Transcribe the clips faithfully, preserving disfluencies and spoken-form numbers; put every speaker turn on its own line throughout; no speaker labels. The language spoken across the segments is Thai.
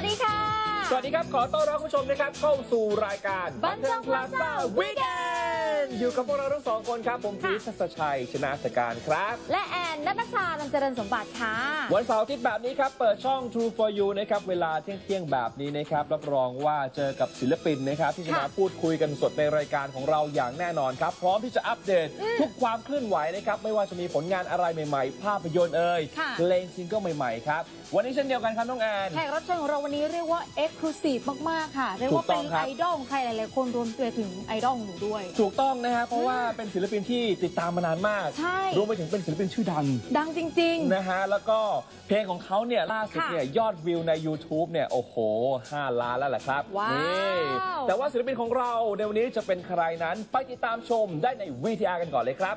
วัสดีค่ะ
สวัสดีครับขอต้อนรับคุณผู้ชมนะครับเข้าสู่รายการ
บันเทิงพลาซ่าวีคเอนด์
อยู่กับพวกเราทั้งสองคนครับผมพีชทัศชัยชนะสการครับ
และแอนนัทชาลำเจริญสมบัติค่ะ
วันเสาร์อาทิตย์แบบนี้ครับเปิดช่อง True for You นะครับเวลาเที่ยงๆแบบนี้นะครับรับรองว่าเจอกับศิลปินนะครับที่จะมาพูดคุยกันสดในรายการของเราอย่างแน่นอนครับพร้อมที่จะอัปเดตทุกความเคลื่อนไหวนะครับไม่ว่าจะมีผลงานอะไรใหม่ๆภาพยนตร์เอ่ยเพลงซิงเกิลใหม่ๆครับวันนี้เช่นเดียวกันครับน้องแอน
แขกรับเชิญของเราวันนี้เรียกว่าเอ็กซ์คลูซีฟมากๆค่ะเรียกว่าเป็นไอดอลใครหลายๆคนรวมตัวถึงไอดอลหนูด้วย
ถูกต้องนะฮะเพราะว่าเป็นศิลปินที่ติดตามมานานมากรวมไปถึงเป็นศิลปินชื่อดัง
ดังจริง
ๆนะฮะแล้วก็เพลงของเขาเนี่ยล่าสุดเนี่ยยอดวิวใน YouTube เนี่ยโอ้โหห้าล้านแล้วแหละครับนี่แต่ว่าศิลปินของเราในวันนี้จะเป็นใครนั้นไปติดตามชมได้ใน วี ที อาร์ กันก่อนเลยครับ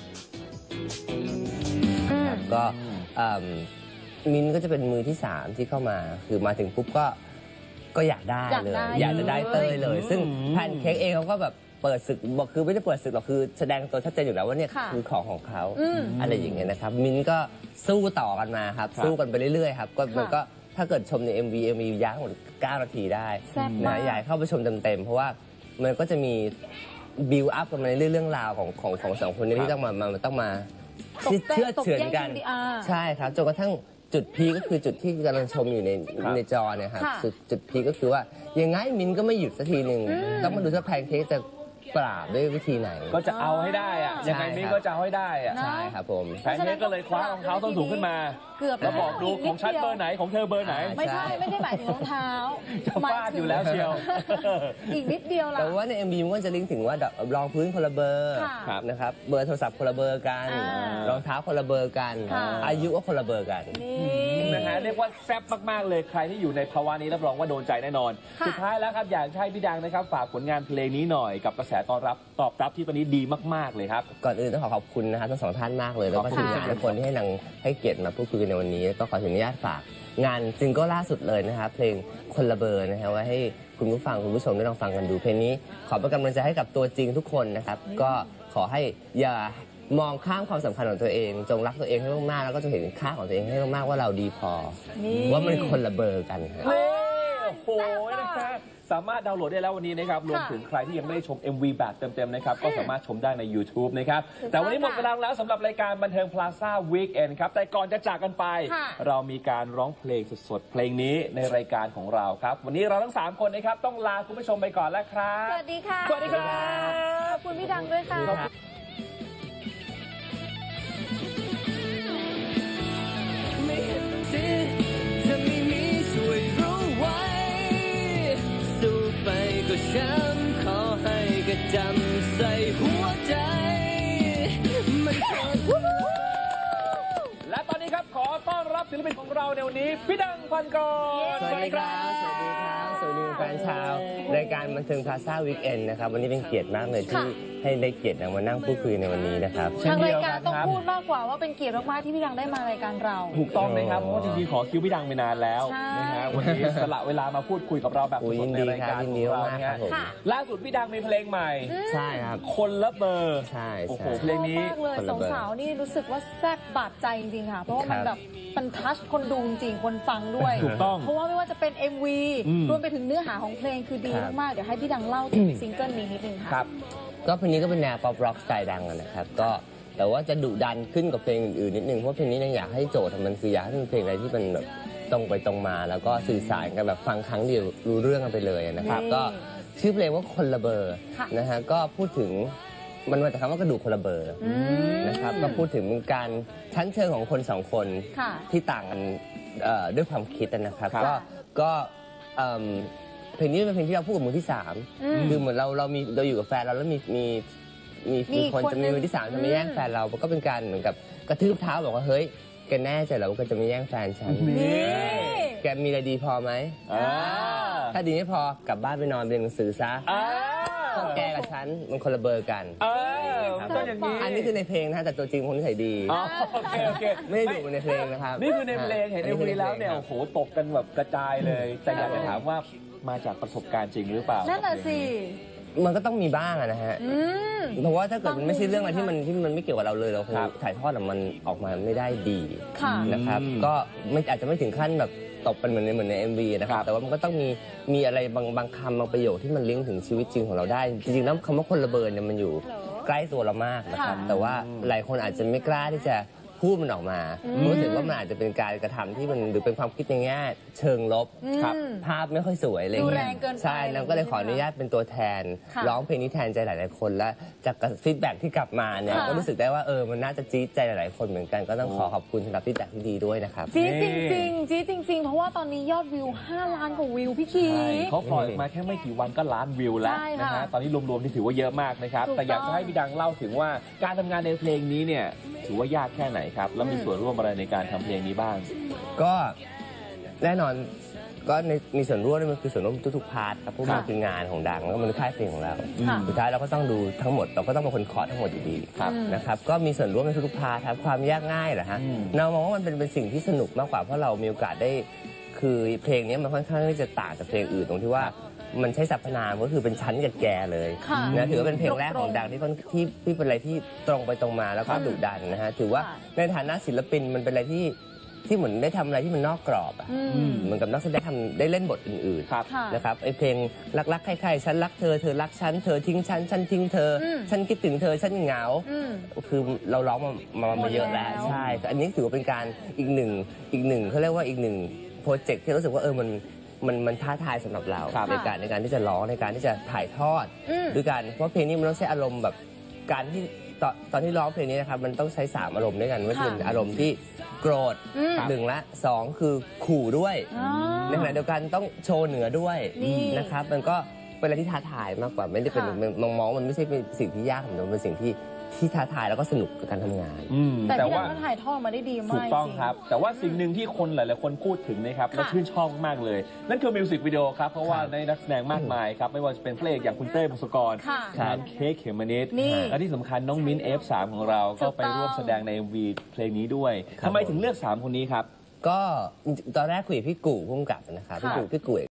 ก็มินก็จะเป็นมือที่สามที่เข้ามาคือมาถึงปุ๊บก็ก็อยากได้เลยอยากจะได้เต้ยเลยซึ่งแพนเค้กเองเขาก็แบบเปิดศึกบอกคือไม่ได้เปิดศึกหรอกคือแสดงตัวชัดเจนอยู่แล้วว่าเนี่ยคือของของเขาอะไรอย่างเงี้ยนะครับมินก็สู้ต่อกันมาครับสู้กันไปเรื่อยๆครับก็มันก็ถ้าเกิดชมใน เอ็ม วี เอ็ม วี ยาวหมดเก้านาทีได้นะอยากเข้าไปชมเต็มๆเพราะว่ามันก็จะมีบิวอัพกันมาในเรื่องราวของของของสองคนนี้ที่ต้องมามาต้องมาเชื่อเฉือนกันใช่ครับจนกระทั่งจุดพีก็คือจุดที่กำลังชมอยู่ในในจอเนี่ยครับจุดพีก็คือว่ายังไงมินก็ไม่หยุดสักทีหนึ่งต้องมาดูว่าแพนเค้กจะปราบด้วยวิธีไหน
ก็จะเอาให้ได้อะยังไงมินก็จะเอาให้ได้อะ
ใช่ครับผม
แพนเค้กก็เลยคว้ารองเท้าส้นสูงขึ้นมาแล้วบอกดูของฉันเบอร์ไหนของเธอเบอร์ไหน
ไม่ใช่ไม่ได้หมายถึงรองเท้า
จะฟาดอยู่แล้วเชียว
อีกนิดเดียวล่ะ
แต่ว่าใน เอ็ม วี มันก็จะลิงก์ถึงว่ารองพื้นคนละเบอร์นะครับเบอร์โทรศัพท์คนละเบอร์กันรองเท้าคนละเบอร์กันอายุก็คนละเบอร์กัน
นะฮะเรียกว่าแซ่บมากๆเลยใครที่อยู่ในภาวะนี้รับรองว่าโดนใจแน่นอนสุดท้ายแล้วครับอยากให้พี่ดังนะครับฝากผลงานเพลงนี้หน่อยกับกระแสตอบรับตอบรับที่ตอนนี้ดีมากๆเลยครับ
ก่อนอื่นต้องขอขอบคุณนะครับทั้งสองท่านมากเลยแล้วก็ทีมงานทุกคนที่ให้นางให้เกียรติมาพูดคุยในวันนี้ก็ขออนุญาตฝากงานซิงเกิลล่าสุดเลยนะครับเพลงคนละเบอร์นะฮะไว้ให้คุณผู้ฟังคุณผู้ชมได้ลองฟังกันดูเพลงนี้ขอเป็นกำลังใจให้กับตัวจริงทุกคนนะครับก็ขอให้อย่ามองข้ามความสำคัญของตัวเองจงรักตัวเองให้มากๆแล้วก็จะเห็นค่าของตัวเองให้มากๆว่าเราดีพอว่ามันคนละเบอร์กันครับ
โอ้โหนะครับสามารถดาวน์โหลดได้แล้ววันนี้นะครับรวมถึงใครที่ยังไม่ได้ชม เอ็ม วี แบบเต็มๆนะครับก็สามารถชมได้ใน ยูทูบ นะครับแต่วันนี้หมดเวลาแล้วสำหรับรายการบันเทิงพลาซ่าวีคเอนด์ครับแต่ก่อนจะจากกันไปเรามีการร้องเพลงสดๆเพลงนี้ในรายการของเราครับวันนี้เราทั้งสามคนนะครับต้องลาคุณผู้ชมไปก่อนแล้วครับ
สวัสดีค่ะ
สวัสดีครับ
ขอบคุณพี่ดังด้วยค่ะ
ไม่เห็นสิจะไม่มีช่วยรู้ไว้สู้ไปก็ช้ำขอให้กระจำใส่หัวใจมันเกิด
และตอนนี้ครับขอต้อนรับศิลปินของเราในวันนี้พี่ดังพันกร
สวัสดีครับสวัสดีครับสวัสดีแฟนชาวรายการบันเทิงพลาซ่าวีคเอนด์นะครับวันนี้เป็นเกียรติมากเลยที่ให้ได้เกียรติมานั่งพูดคุยในวันนี้นะครับ
ทางรายการต้องพูดมากกว่าว่าเป็นเกียรติมากๆที่พี่ดังได้มารายการเรา
ถูกต้องเลยครับเพราะว่าจริงๆขอคิวพี่ดังไปนานแล้วนะฮะวันนี้สละเวลามาพูดคุยกับเราแบบสดในรายการของเราเนี่ยล่าสุดพี่ดังมีเพลงใหม่
ใช่ครับ
คนละเบอร์
ใช่
โอ้โหเพลงนี้
มากเลยสาวๆนี่รู้สึกว่าแซ่บบาดใจจริงๆค่ะเพราะว่ามันแบบมันทัชคนดูจริงคนฟังด้วย
ถูกต้อง
เพราะว่าไม่ว่าจะเป็น เอ็ม วี รวมไปถึงเนื้อหาของเพลงคือดีมากๆเดี๋ยวให้พี่ดังเล่าถึงซิงเกิลนี้นิดนึงค่ะ
ก็เพลงนี้ก็เป็นแนวป๊อปร็อกสไตล์ดังนะครับก็แต่ว่าจะดุดันขึ้นกับเพลงอื่นๆนิดนึงเพราะเพลงนี้อยากให้โจทย์มันคืออยากให้เป็นเพลงอะไรที่มันแบบตรงไปตรงมาแล้วก็สื่อสารกันแบบฟังครั้งเดียวรู้เรื่องกันไปเลยนะครับก็ชื่อเพลงว่าคนละเบอร์นะฮะก็พูดถึงมันมาจากคำว่ากระดูกคนละเบอร์นะครับก็พูดถึงการชั้นเชิงของคนสองคนที่ต่างกันด้วยความคิดนะครับก็ก็เพลงนี้เป็นเพลงที่เราพูดกับมือที่สามคือเหมือนเราเรามีเราอยู่กับแฟนเราแล้วมีมีมีมีคนจะมีมือที่สามจะมาแย่งแฟนเราก็เป็นการเหมือนกับกระทืบเท้าบอกว่าเฮ้ยแกแน่ใจเหรอว่าแกจะไม่แย่งแฟนฉันแกมีอะไรดีพอไหมถ้าดีไม่พอกลับบ้านไปนอนเรียนหนังสือซะแกกับฉันมันคนละเบอร์กันอันนี้คือในเพลงนะแต่ตัวจริงคนนิสัยดี
โอเคโอเค
ไม่ได้ดูในเพลงนะครับ
นี่คือในเพลงเห็นในเพลงแล้วเนี่ยโอ้โหตกกันแบบกระจายเลยแต่อยากจะถามว่ามาจากประสบการณ์จริงหรือเปล่า
นั่นแหละสิ
มันก็ต้องมีบ้างนะฮะเพราะว่าถ้าเกิดมันไม่ใช่เรื่องอะไรที่มันที่มันไม่เกี่ยวกับเราเลยเราคงถ่ายทอดมันออกมาไม่ได้ดีนะครับก็ไม่อาจจะไม่ถึงขั้นแบบตบเป็นเหมือนในเหมือนใน เอ็ม วี นะครับ แต่ว่ามันก็ต้องมีมีอะไรบางบางคำบางประโยคที่มันลิงก์ถึงชีวิตจริงของเราได้ จริงๆแล้วคำว่าคนระเบิดเนี่ยมันอยู่ใกล้ตัวเรามากนะครับ แต่ว่าหลายคนอาจจะไม่กล้าที่จะพูดมันออกมารู้สึกว่ามันอาจจะเป็นการกระทำที่มันหรือเป็นความคิดในแง่เชิงลบครับภาพไม่ค่อยสวยอะไร
ดู
เงี้
แร
ย
งเกินไป
ใช่แล้วก็เลยขออนุญาตเป็นตัวแทน
ค่ะ
ร้องเพลงนี้แทนใจหลายๆคนและจากฟีดแบ็กที่กลับมาเนี่ย
ค่ะ
ก็รู้สึกได้ว่าเออมันน่าจะจี๊ดใจหลายๆคนเหมือนกันก็ต้องขอขอบคุณสำหรับฟีดแบ็กที่ดีด้วยนะครับ
จี๊ดจริงๆจี๊ดจริงๆ เพราะว่าตอนนี้ยอดวิวห้าล้านกว่าวิวพี่คี
ใช่เขาปล่อยมาแค่ไม่กี่วันก็ล้านวิวแล้ว
ใช่
นะ
ค่ะ
ฮะตอนนี้รวมๆที่ถือว่าเยอะมากนะครับ
ถูกต้อง
แต่อยากจะให้พี่ดังเล่าถึงว่าการทำงานในเพลงนี้เนี่ยถือว่ายากแค่ไหนครับแล้วมีส่วนร่วมอะไรในการทำเพลงนี้บ้าง
ก็แน่นอนก็ในมีส่วนร่วมมันคือส่วนร่วมทุกๆพาร์ทครับเพราะมันคืองานของดังแล้วก็มันคือค่ายเพลงของเรา
ค่ะ
สุดท้ายเราก็ต้องดูทั้งหมดเราก็ต้องเป็นคนขอทั้งหมดอยู่ดี
ครับ
นะครับก็มีส่วนร่วมในทุกๆพาร์ทครับความยากง่ายเหรอฮะ
อืม
เรามองว่ามันเป็นเป็นสิ่งที่สนุกมากกว่าเพราะเรามีโอกาสได้คือเพลงนี้มันค่อนข้างที่จะต่างจากเพลงอื่นตรงที่ว่ามันใช้สรรพนามก็คือเป็นชั้นกับแกเลย
ค่ะ
นะถือว่าเป็นเพลงแรก
ตรงๆ
ของดังที่ค่อนที่ที่เป็นอะไรที่ตรงไปตรงมาแล้วก็ดุดันนะฮะถือว่า
ค่ะ
ในฐานะศิลปินมันเป็นอะไรที่ที่เหมือนได้ทำอะไรที่มันนอกกรอบอะ
อืม
เหมือนกับนักแสดงทำได้เล่นบทอื่น
ครับ
ค่ะ
ๆนะครับไอเพลงรักๆใครๆฉันรักเธอเธอรักฉันเธอทิ้งฉันฉันทิ้งเธออ
ม
ฉันคิดถึงเธอฉันเหงา
อืม
คือเราร้องมามามาเยอะแล้ว
หมดแล้ว
ใช่แต่อันนี้ถือว่าเป็นการอีกหนึ่งอีกหนึ่งเขาเรียกว่าอีกหนึ่งโปรเจกต์ที่รู้สึกว่าเออมันมันมันท้าทายสำหรับเรา
ครับ
ในการในการที่จะร้องในการที่จะถ่ายทอด
อืม
ด้วยกันเพราะเพลงนี้มันต้องใช้อารมณ์แบบการที่ตอนตอนที่ร้องเพลงนี้นะครับมันต้องใช้สามอารมณ์ด้วยกันว่า
ค่ะ
เป็นอารมณ์ที่โกรธ
อืม
หนึ่งละสองคือขู่ด้วย
อ๋อ
ในขณะเดียวกันต้องโชว์เหนือด้วย
นี่
นะครับมันก็เป็นอะไรที่ท้าทายมากกว่าไม่ได้เป็น
ค่ะ
มองมองว่ามันไม่ใช่เป็นสิ่งที่ยากแต่มันเป็นสิ่งที่ที่ท้าทายแล้วก็สนุกกับการทำงาน
อืม
แต่
แต่
พี่ดั
ว่า
งก็ถ่ายทอดมาได้ดีมาก
ถูกต้อง
จริง
ครับ แต่ว่าสิ่งหนึ่งที่คนหลาย ๆ คนพูดถึงนะครับและชื่นชอบมากเลย นั่นคือมิวสิกวิดีโอครับ เพราะว่า
ครับ
ในนักแสดงมากมายครับ ไม่ว่าจะเป็นเพลงอย่างคุณเต้พงศกร
ค่ะ
แพนเค้กเขมมะนิด
นี่
และที่สำคัญน้องมิ้น เอฟ สาม ของเรา ก็ไปร่วมแสดงใน เอ็ม วี เพลงนี้ด้วย
ครับ
ทำไมถึงเลือกสามคนนี้ครับ
ก็ตอนแรกคุยกับพี่กู่พุ่มกับนะครับพี่
ค่ะ
กู่พี่กู่